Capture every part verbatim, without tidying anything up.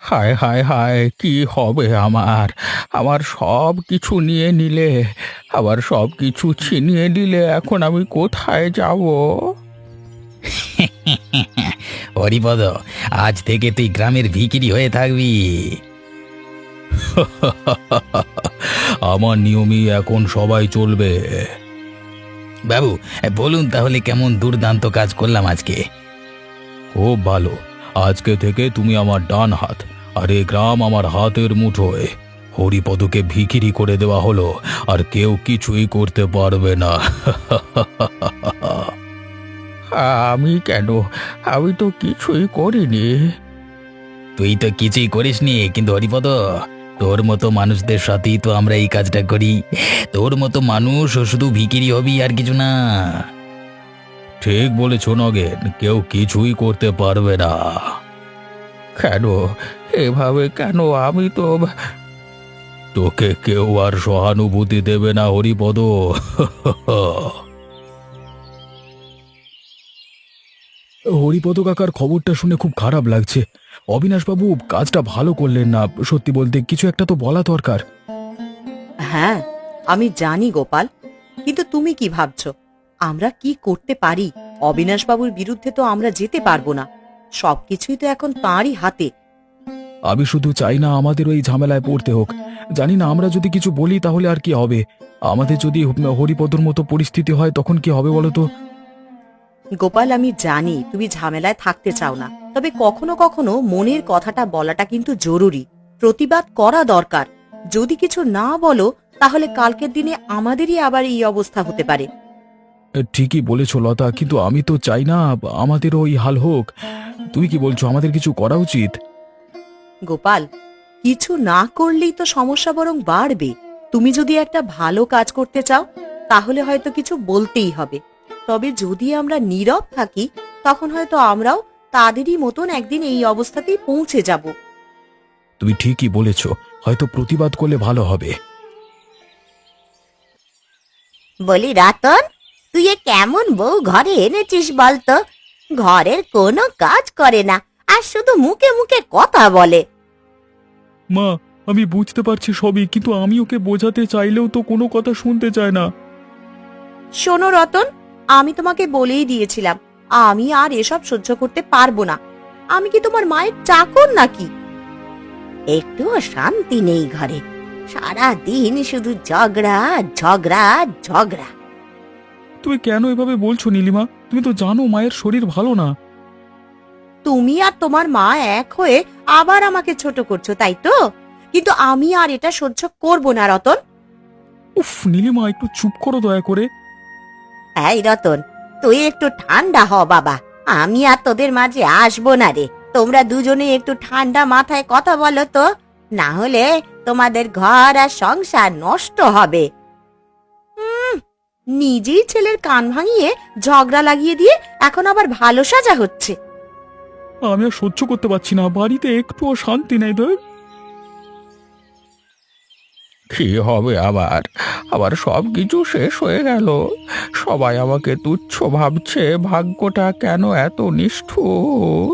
হায় হায় হায়, কি হবে আমার? আমার সব কিছু নিয়ে নিলে, আবার সব কিছু ছিনিয়ে নিলে, এখন আমি কোথায় যাব? হরিপদ, আজ থেকে তুই গ্রামের ভিখিরি হয়ে থাকবি। আমার নিয়মই এখন সবাই চলবে। বাবু, বলুন তাহলে কেমন দুর্দান্ত কাজ করলাম আজকে। খুব ভালো। আজকে থেকে তুমি আমার ডান হাত, আর এ গ্রাম আমার হাতের মুঠোয়। হরিপদকে ভিখিরি করে দেওয়া হলো, আর কেউ কিছুই করতে পারবে না। আমি কেন? আমি তো কিছুই করিনি। তুই তো কিছুই করিসনি, কিন্তু হরিপদ, তোর মতো মানুষদের সাথেই তো আমরা এই কাজটা করি। তোর মতো মানুষ ও শুধু ভিখিরি হবি, আর কিছু না। ঠিক বলেছ নগেন, কেউ কিছুই করতে পারবে না। কেন? এভাবে কেন? আমি তো, তোকে কেউ আর সহানুভূতি দেবে না হরিপদ। হরিপদ কাকার খবরটা শুনে খুব খারাপ লাগছে। অবিনাশবাবু কাজটা ভালো করলেন না। সত্যি বলতে কিছু একটা তো বলা দরকার। হ্যাঁ, আমি জানি গোপাল, কিন্তু তুমি কি ভাবছো আমরা কি করতে পারি? অবিনাশবাবুর বিরুদ্ধে তো আমরা যেতে পারবো না। সবকিছুই তো এখন তাঁরই হাতে। আমি শুধু চাই না আমাদের ওই ঝামেলায় পড়তে হোক। জানি না আমরা যদি কিছু বলি তাহলে আর কি হবে। আমাদের যদি হরিপদর মতো পরিস্থিতি হয় তখন কি হবে বলো তো? গোপাল, আমি জানি তুমি ঝামেলায় থাকতে চাও না, তবে কখনো কখনো মনের কথাটা বলাটা কিন্তু জরুরি। প্রতিবাদ করা দরকার। যদি কিছু না বলো, তাহলে কালকের দিনে আমাদেরই আবার এই অবস্থা হতে পারে। ঠিকই বলেছ লতা, কিন্তু আমি তো চাই না আমাদের ওই হাল হোক। তুমি কি বলছো, আমাদের কিছু করা উচিত? গোপাল, কিছু না করলেই তো সমস্যা বরং বাড়বে। তুমি যদি একটা ভালো কাজ করতে চাও, তাহলে হয়তো কিছু বলতেই হবে। তবে যদি আমরা নীরব থাকি, তখন হয়তো আমরাও তাদেরই মতন একদিন এই অবস্থাতেই পৌঁছে যাব। তুমি ঠিকই বলেছ, হয়তো প্রতিবাদ করলে ভালো হবে। বলি রতন, তুই এ কেমন বউ ঘরে এনেছিস বলতো? ঘরের কোনো কাজ করে না, আর শুধু মুখে মুখে কথা বলে। মা, আমি বুঝতে পারছি সবই, কিন্তু আমি ওকে বোঝাতে চাইলেও তো কোনো কথা শুনতে চায় না। শোনো রতন, আমি তোমাকে বলেই দিয়েছিলাম আমি আর এসব সহ্য করতে পারবো না। আমি কি তোমার মায়ের চাকর নাকি? একটুও শান্তি নেই ঘরে, সারা দিন শুধু ঝগড়া ঝগড়া ঝগড়া। তুমি কেন এভাবে বলছো নীলিমা? তুমি তো জানো মায়ের শরীর ভালো না। তুমি আর তোমার মা এক হয়ে আবার আমাকে ছোট করছো, তাই তো? কিন্তু আমি আর এটা সহ্য করব না রতন। উফ নীলিমা, একটু চুপ করো দয়া করে। এই রতন, তুই একটু ঠান্ডা হ বাবা। আমি আর তোদের মাঝে আসবো না রে। তোমরা দুজনে একটু ঠান্ডা মাথায় কথা বলো তো, না হলে তোমাদের ঘর আর সংসার নষ্ট হবে। নিজেই ছেলের কান ভাঙিয়ে ঝগড়া লাগিয়ে দিয়ে এখন আবার ভালো সাজা হচ্ছে। আমি আর সহ্য করতে পারছি না, বাড়িতে একটুও শান্তি নেই। তো কি হবে আবার? আবার সব কিছু শেষ হয়ে গেল। সবাই আমাকে তুচ্ছ ভাবছে। ভাগ্যটা কেন এত নিষ্ঠুর?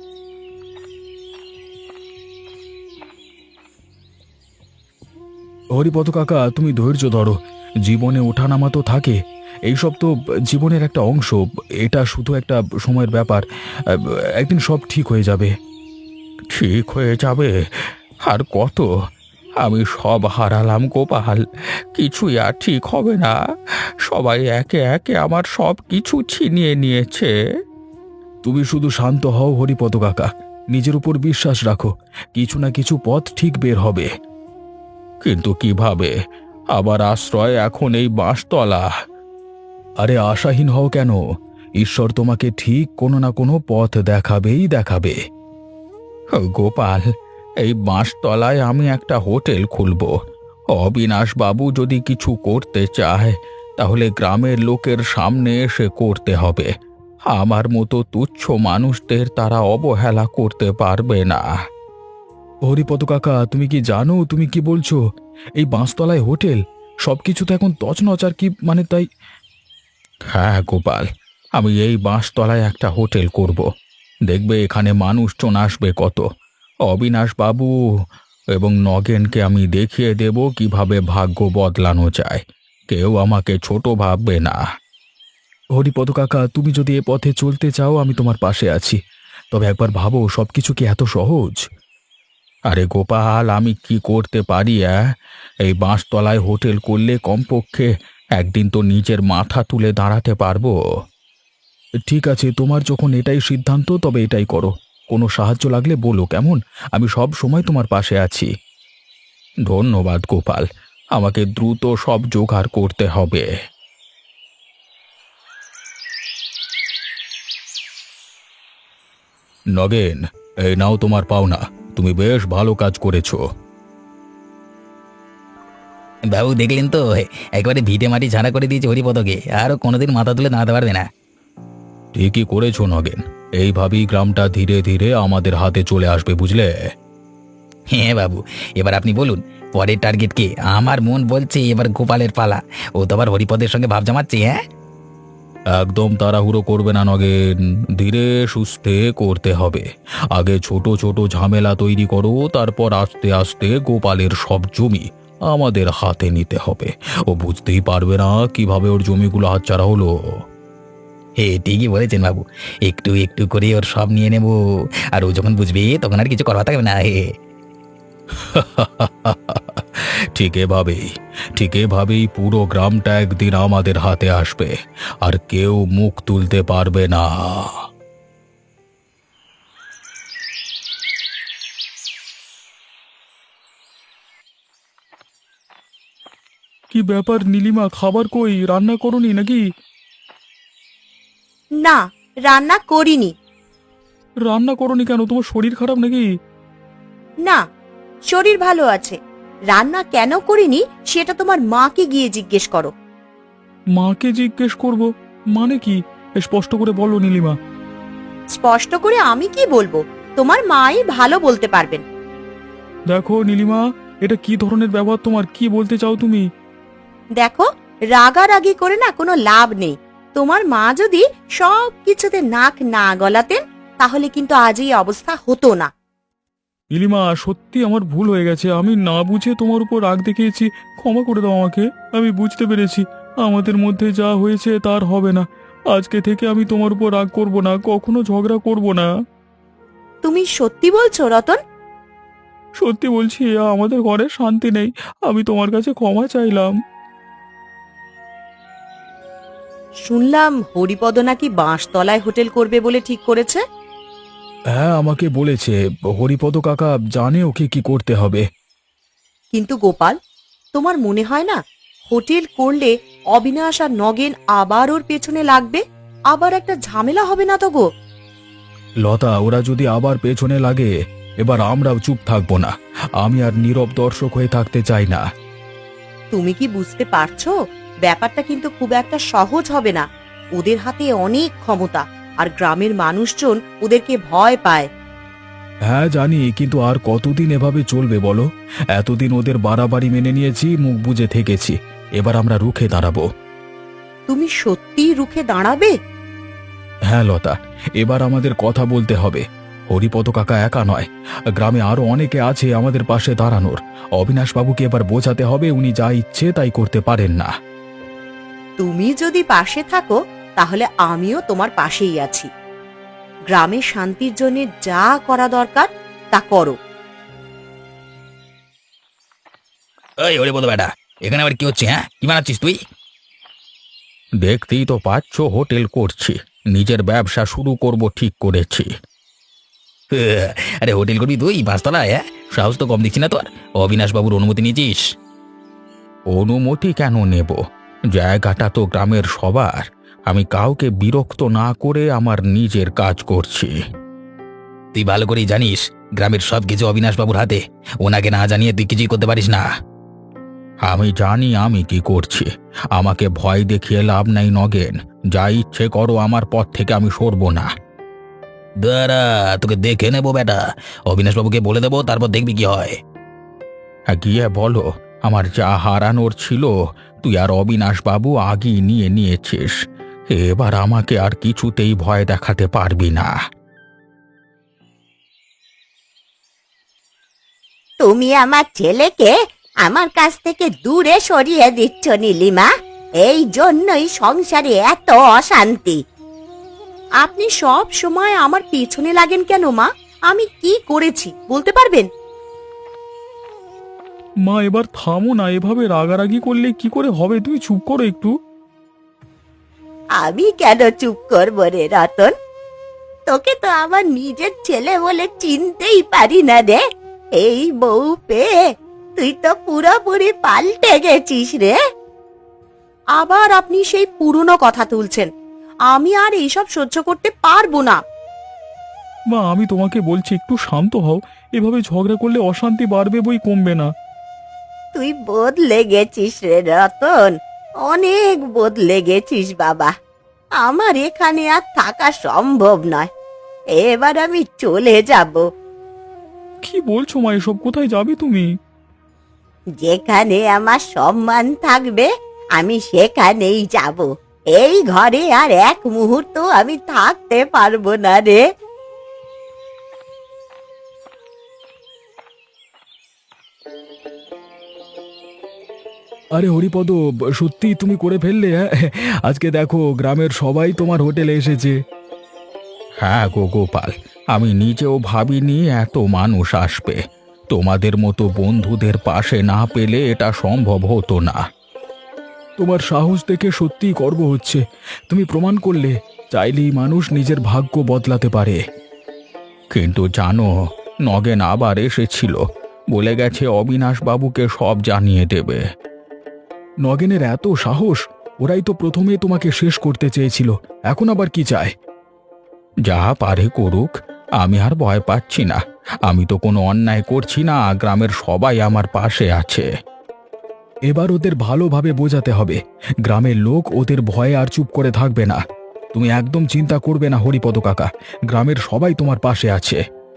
হরিপদ কাকা, তুমি ধৈর্য ধরো। জীবনে ওঠানামা তো থাকে, এইসব তো জীবনের একটা অংশ। এটা শুধু একটা সময়ের ব্যাপার। একদিন সব ঠিক হয়ে যাবে। ঠিক হয়ে যাবে? আর কত? আমি সব হারালাম গোপাল। কিছুই আর ঠিক হবে না। সবাই একে একে আমার সব কিছু ছিনিয়ে নিয়েছে। তুমি শুধু শান্ত হও হরিপদ কাকা, নিজের উপর বিশ্বাস রাখো। কিছু না কিছু পথ ঠিক বের হবে। কিন্তু কিভাবে? আবার আশ্রয় এখন এই বাঁশতলা। আরে আশাহীন হও কেন? ঈশ্বর তোমাকে ঠিক কোনো না কোনো পথ দেখাবেই দেখাবে। গোপাল, এই বাঁশতলায় আমি একটা হোটেল খুলব। অবিনাশ বাবু যদি কিছু করতে চায়, তাহলে গ্রামের লোকের সামনে এসে করতে হবে। আমার মতো তুচ্ছ মানুষদের তারা অবহেলা করতে পারবে না। হরিপদ কাকা, তুমি কি জানো তুমি কি বলছো? এই বাঁশতলায় হোটেল, সবকিছু তো এখন তছনছ। আর কি মানে? তাই হ্যাঁ গোপাল, আমি এই বাঁশতলায় একটা হোটেল করব। দেখবে এখানে মানুষজন আসবে কত। অবিনাশ বাবু এবং নগেনকে আমি দেখিয়ে দেব কিভাবে ভাগ্য বদলানো যায়। কেউ আমাকে ছোট ভাববে না। হরিপদ কাকা, তুমি যদি এ পথে চলতে চাও আমি তোমার পাশে আছি, তবে একবার ভাবো সবকিছু কি এত সহজ? আরে গোপাল, আমি কি করতে পারি? অ্যাঁ? এই বাঁশতলায় হোটেল করলে কমপক্ষে একদিন তো নিজের মাথা তুলে দাঁড়াতে পারবো। ঠিক আছে, তোমার যখন এটাই সিদ্ধান্ত তবে এটাই করো। কোনো সাহায্য লাগলে বলো কেমন, আমি সব সময় তোমার পাশে আছি। ধন্যবাদ গোপাল, আমাকে দ্রুত সব জোগাড় করতে হবে। নগেন, এই নাও তোমার পাওনা। তুমি বেশ ভালো কাজ করেছো। বাবু দেখলেন তো, একবারে ভিটে মাটি ঝাড়া করে দিয়েছে হরিপদকে, আরও কোনোদিন মাথা তুলে দাঁড়াতে পারবে না। ঠিকই করেছো নগেন, এইভাবেই গ্রামটা ধীরে ধীরে আমাদের হাতে চলে আসবে, বুঝলে? হ্যাঁ বাবু, এবার আপনি বলুন পরের টার্গেট কে? আমার মন বলছে এবার গোপালের পালা। ও তো আবার হরিপদের সঙ্গে ভাব জমাচ্ছে। হ্যাঁ, একদম তাড়াহুড়ো করবে না নগেন, ধীরে সুস্থে করতে হবে। আগে ছোট ছোট ঝামেলা তৈরি করো, তারপর আস্তে আস্তে গোপালের সব জমি আমাদের হাতে নিতে হবে। ও বুঝতেই পারবে না কিভাবে ওর জমিগুলো হাতছাড়া হলো। হে ঠিকই বলেছেন বাবু, একটু একটু করে ওর সব নিয়ে নেব, আর ও যখন বুঝবে তখন আর কিছু করা থাকবে না। হে, ঠিক এভাবেই ঠিক এভাবেই পুরো গ্রামটা একদিন আমাদের হাতে আসবে, আর কেউ মুখ তুলতে পারবে না। কি ব্যাপার নীলিমা, খাবার কই? রান্না করনি নাকি? না, রান্না করিনি। রান্না করনি কেন? তোমার শরীর খারাপ নাকি? না, শরীর ভালো আছে। রান্না কেন করিনি সেটা তোমার মাকে গিয়ে জিজ্ঞেস করো। মাকে জিজ্ঞেস করব মানে কি? স্পষ্ট করে বলো নীলিমা। স্পষ্ট করে আমি কি বলবো, তোমার মাই ভালো বলতে পারবেন। দেখো নীলিমা, এটা কি ধরনের ব্যবহার তোমার? কি বলতে চাও তুমি? দেখো, রাগারাগি করে না কোনো লাভ নেই। তোমার মা যদি সব কিছুতে নাক না গলাতেন তাহলে কিন্তু আজ এই অবস্থা হতো না। নীলিমা, সত্যি আমার ভুল হয়ে গেছে। আমি না বুঝে তোমার উপর রাগ দেখিয়েছি, ক্ষমা করে দাও আমাকে। আমি বুঝতে পেরেছি আমাদের মধ্যে যা হয়েছে তার হবে না। আজকে থেকে আমি তোমার উপর রাগ করব না, কখনো ঝগড়া করব না। তুমি সত্যি বলছো রতন? সত্যি বলছি, আমাদের ঘরে শান্তি নেই। আমি তোমার কাছে ক্ষমা চাইলাম। শুনলাম হরিপদ নাকি বাঁশতলায় হোটেল করবে বলে ঠিক করেছে। হ্যাঁ, আমাকে বলেছে। হরিপদ কাকা জানে ওকে কি করতে হবে। কিন্তু গোপাল, তোমার মনে হয় না হোটেল করলে অবিনাশ আর নগেন আবার ওর পেছনে লাগবে? আবার একটা ঝামেলা হবে না তো গো? লতা, ওরা যদি আবার পেছনে লাগে এবার আমরাও চুপ থাকবো না। আমি আর নীরব দর্শক হয়ে থাকতে চাই না। তুমি কি বুঝতে পারছো? ব্যাপারটা কিন্তু খুব একটা সহজ হবে না। ওদের হাতে অনেক ক্ষমতা, আর গ্রামের মানুষজন ওদেরকে ভয় পায়। হ্যাঁ জানি, কিন্তু আর কতদিন এভাবে চলবে বলো? এতদিন ওদের বাড়াবাড়ি মেনে নিয়েছি, মুখ বুজে থেকেছি। এবার আমরা রুখে দাঁড়াবো। তুমি সত্যিই রুখে দাঁড়াবে? হ্যাঁ লতা, এবার আমাদের কথা বলতে হবে। হরিপদ কাকা একা নয়, গ্রামে আরো অনেকে আছে আমাদের পাশে দাঁড়ানোর। অবিনাশ বাবুকে এবার বোঝাতে হবে উনি যা ইচ্ছে তাই করতে পারেন না। তুমি যদি পাশে থাকো তাহলে আমিও তোমার পাশেই আছি। গ্রামের শান্তির জন্য যা করা দরকার তা করো। ওই হরিপদ বেটা, এখানে আবার কি হচ্ছে? হ্যাঁ, কি বানাচ্ছিস তুই? দেখতেই তো পাচ্ছ হোটেল করছি, নিজের ব্যবসা শুরু করব ঠিক করেছি। আরে হোটেল করবি তুই বাসতলায়? হ্যাঁ, সাহস তো কম দিচ্ছি না তোর। অবিনাশ বাবুর অনুমতি নিয়েছিস? অনুমতি কেন নেব? জায়গাটা তো গ্রামের সবার। আমি কাউকে বিরক্ত না করে আমার নিজের কাজ করছি। তুই ভালো করেই জানিস গ্রামের সব কিছু অবিনাশ বাবুর হাতে। ওনাকে না জানিয়ে তুই কিছুই করতে পারিস না। আমি জানি আমি কি করছি। আমাকে ভয় দেখিয়ে লাভ নাই নগেন। যা ইচ্ছে করো, আমার পথ থেকে আমি সরব না। দাঁড়া, তোকে দেখে নেবো বেটা। অবিনাশ বাবুকে বলে দেবো, তারপর দেখবি কি হয়। হ্যাঁ, গিয়ে বলো আমার যা হারানোর ছিল তুই আর অবিনাশ বাবু আগেই নিয়ে নিয়েছিস। এবার আমাকে আর কিছুতেই ভয় দেখাতে পারবি না। তুমি আমার ছেলেকে আমার কাছ থেকে দূরে সরিয়ে দিচ্ছ নীলিমা। এই জন্যই সংসারে এত অশান্তি। আপনি সব সময় আমার পেছনে লাগেন কেন মা? আমি কি করেছি বলতে পারবেন? মা এবার থামো না, এভাবে রাগারাগি করলে কি করে হবে? তুমি চুপ করো একটু। আমি কেন চুপ করবো রে রতন? তোকে তো আমার নিজের ছেলে বলে চিনতেই পারি না রে। এই বউ পেয়ে তুই তো পুরোপুরি পাল্টে গেছিস রে। আবার আপনি সেই পুরনো কথা তুলছেন। আমি আর এইসব সহ্য করতে পারবো না। মা আমি তোমাকে বলছি একটু শান্ত হও, এভাবে ঝগড়া করলে অশান্তি বাড়বে বই কমবে না। তুই বদলে গেছিস রে রতন, অনেক বদলে গেছিস বাবা। আমার এখানে আর থাকা সম্ভব নয়। এবার আমি চলে যাব। কি বলছো মা এসব? কোথায় যাবে তুমি? যেখানে আমার সম্মান থাকবে আমি সেখানেই যাব। এই ঘরে আর এক মুহূর্ত আমি থাকতে পারবো না রে। আরে হরিপদ, সত্যি তুমি করে ফেললে? হ্যাঁ, আজকে দেখো গ্রামের সবাই তোমার হোটেলে এসেছে। হ্যাঁ গো গোপাল, আমি নিজেও ভাবিনি এত মানুষ আসবে। তোমাদের মতো বন্ধুদের পাশে না পেলে এটা সম্ভব হতো না। তোমার সাহস দেখে সত্যিই গর্ব হচ্ছে। তুমি প্রমাণ করলে চাইলেই মানুষ নিজের ভাগ্য বদলাতে পারে। কিন্তু জানো, নগেন আবার এসেছিল, বলে গেছে অবিনাশ বাবুকে সব জানিয়ে দেবে। নগেনের এত সাহস! ওরাই তো প্রথমে তোমাকে শেষ করতে চেয়েছিল, এখন আবার কি চায়? যা পারে করুক, আমি আর ভয় পাচ্ছি না। আমি তো কোনো অন্যায় করছি না, গ্রামের সবাই আমার পাশে আছে। এবার ওদের ভালোভাবে বোঝাতে হবে, গ্রামের লোক ওদের ভয়ে আর চুপ করে থাকবে না। তুমি একদম চিন্তা করবে না হরিপদ কাকা, গ্রামের সবাই তোমার পাশে আছে।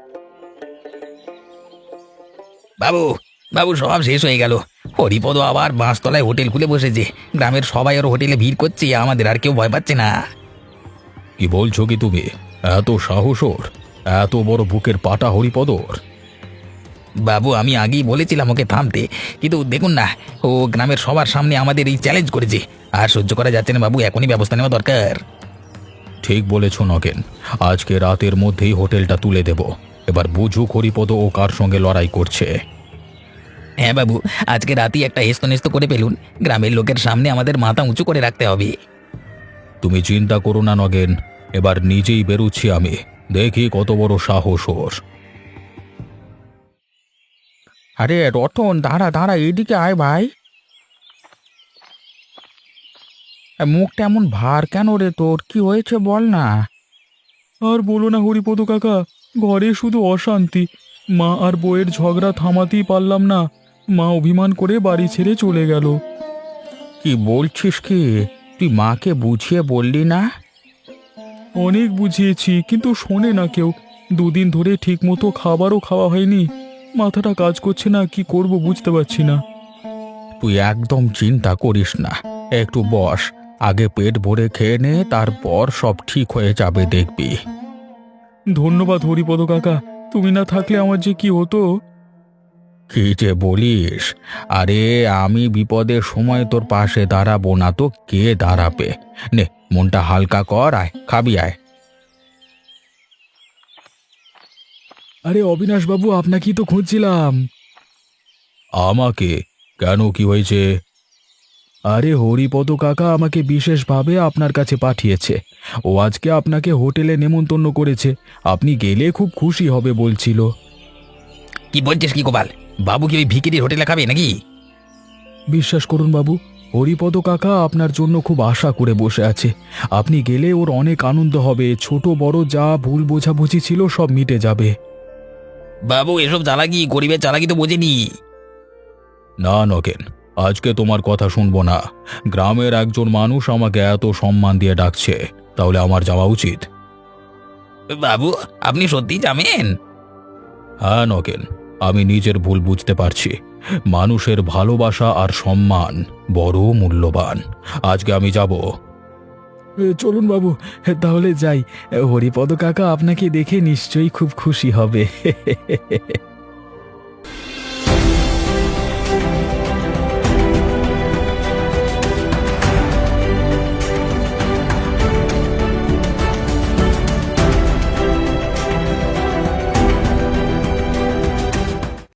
বাবু, বাবু সব শেষ হয়ে গেল। হরিপদ আবার বাঁশতলায় হোটেল খুলে বসেছে। গ্রামের সবাই ওর হোটেলে ভিড় করছে, আমাদের আর কেউ ভয় পাচ্ছে না। কি বলছো কি তুমি? এত সাহস ওর? এত বড় বুকের পাটা হরিপদর? বাবু আমি আগেই বলেছিলাম ওকে থামতে, কিন্তু দেখুন না, ও গ্রামের সবার সামনে আমাদের এই চ্যালেঞ্জ করেছে। আর সহ্য করা যাচ্ছে না বাবু, এখনই ব্যবস্থা নেওয়া দরকার। ঠিক বলেছ নগেন, আজকে রাতের মধ্যেই হোটেলটা তুলে দেব। এবার বুঝুক হরিপদ ও কার সঙ্গে লড়াই করছে। হ্যাঁ বাবু, আজকে রাতেই একটা হেস্তনেস্ত করে ফেলুন। গ্রামের লোকের সামনে আমাদের মাথা উঁচু করে রাখতে হবে। তুমি চিন্তা করো না নগেন, এবার নিজেই বেরুচ্ছি আমি, দেখি কত বড় সাহস ওর। আরে রতন, দাঁড়া দাঁড়া, এদিকে আয় ভাই। মুখটা এমন ভার কেন রে তোর? কি হয়েছে বল না। আর বলো না হরিপদ কাকা, ঘরে শুধু অশান্তি। মা আর বউয়ের ঝগড়া থামাতেই পারলাম না। মা অভিমান করে বাড়ি ছেড়ে চলে গেল। কি বলছিস কি? তুই মাকে বুঝিয়ে বললি না? অনেক বুঝিয়েছি, কিন্তু শোনে না কেউ। দুদিন ধরে ঠিকমতো খাবারও খাওয়া হয়নি। মাথাটা কাজ করছে না, কি করব বুঝতে পারছি না। তুই একদম চিন্তা করিস না, একটু বস, আগে পেট ভরে খেয়ে নে, তারপর সব ঠিক হয়ে যাবে দেখবি। ধন্যবাদ হরিপদ কাকা, তুমি না থাকলে আমার যে কি হতো। কি যে বলিস? আরে আমি বিপদের সময় তোর পাশে দাঁড়াবো না তো কে দাঁড়াবে? নে মনটা হালকা কর, আয় খাবি আয়। আরে অবিনাশ বাবু, আপনাকেই তো খুঁজছিলাম। আমাকে? কেন, কি হয়েছে? আরে হরিপদ কাকা আমাকে বিশেষভাবে আপনার কাছে পাঠিয়েছে। ও আজকে আপনাকে হোটেলে নেমন্তন্ন করেছে, আপনি গেলে খুব খুশি হবে বলছিল। কি বলছিস কি গোপাল? বাবু কি ওই ভিকিরির হোটেলে খাবে নাকি? বিশ্বাস করুন বাবু, হরিপদ কাকা আপনার জন্য খুব আশা করে বসে আছে। আপনি গেলে ওর অনেক আনন্দ হবে, ছোট বড় যা ভুল বোঝাবুঝি ছিল সব মিটে যাবে। বাবু এসব চালাকি, গরিবের চালাকি তো বোঝেনি। না নগেন, আজকে তোমার কথা শুনবো না। গ্রামের একজন মানুষ আমাকে এত সম্মান দিয়ে ডাকছে, তাহলে আমার যাওয়া উচিত। বাবু আপনি সত্যি যাবেন? হ্যাঁ নগেন, আমি নিজের ভুল বুঝতে পারছি। মানুষের ভালোবাসা আর সম্মান বড় মূল্যবান। আজকে আমি যাব। চলুন বাবু, তাহলে যাই। হরিপদ কাকা আপনাকে দেখে নিশ্চয়ই খুব খুশি হবে।